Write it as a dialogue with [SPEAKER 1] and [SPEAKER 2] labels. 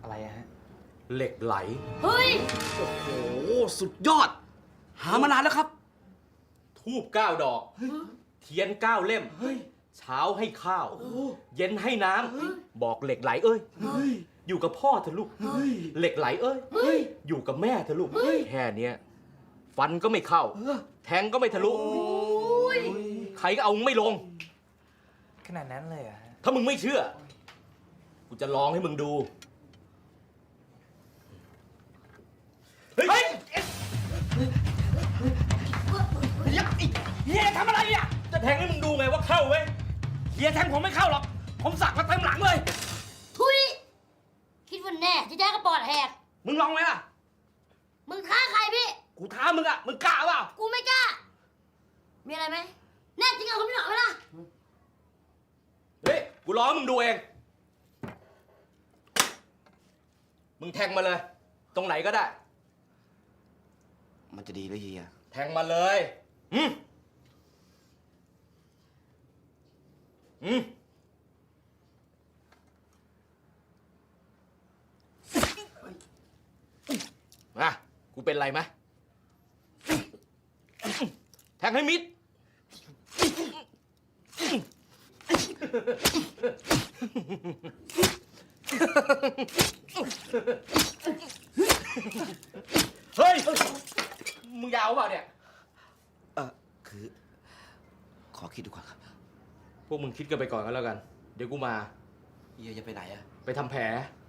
[SPEAKER 1] อะไรฮะ
[SPEAKER 2] เหล็กไหล
[SPEAKER 3] เฮ้ย
[SPEAKER 1] โอ้โหสุดยอดหามานานแล้วครับ
[SPEAKER 2] ทูบ9 ดอกเทียน9 เล่มเช้าให้ข้าวเย็นให้น้ำบอกเหล็กไหลเอ้ยอยู่กับพ่อเถอะลูกเหล็กไหลเอ้ยอยู่กับแม่เถอะลูกแค่เนี้ยฟันก็ไม่เข้าแทงก็ไม่ทะลุใครก็เอาไม่ลง
[SPEAKER 1] ขนาดนั้นเลยอะ
[SPEAKER 2] ถ้ามึงไม่เชื่อกูจะลองให้มึงดูเฮ้ยเฮียทำอะไรอ่ะจะแทงให้มึงดูไงว่าเข้าเว้ยเฮียแทงผมไม่เข้าหรอกผมสักมาเต็มหลังเลย
[SPEAKER 3] ทุยคิดว่าแน่จะได้กระปอดแหก
[SPEAKER 2] มึงลองไหมล่ะ
[SPEAKER 3] มึงท้าใครพี่
[SPEAKER 2] กูท้ามึงอ่ะมึงกล้าเปล่า
[SPEAKER 3] กูไม่กล้ามีอะไรไหมแน่จริงเอาคุณพี่หน่อยไหมล่ะ
[SPEAKER 2] เฮ้ยกูรอมึงดูเองมึงแทงมาเลยตรงไหนก็ได้
[SPEAKER 1] มันจะดีหรือเฮีย
[SPEAKER 2] แทงมาเลยมากูเป็นไรไหมแทงให้มิดเฮ้ยมึงยาวเปล่าเนี่ย
[SPEAKER 1] คือขอคิดดูก่อนครับ
[SPEAKER 2] พวกมึงคิดกันไปก่อนก็แล้วกันเดี๋ยวกูมา
[SPEAKER 1] เฮียจะไปไหนอะ
[SPEAKER 2] ไปทำแผล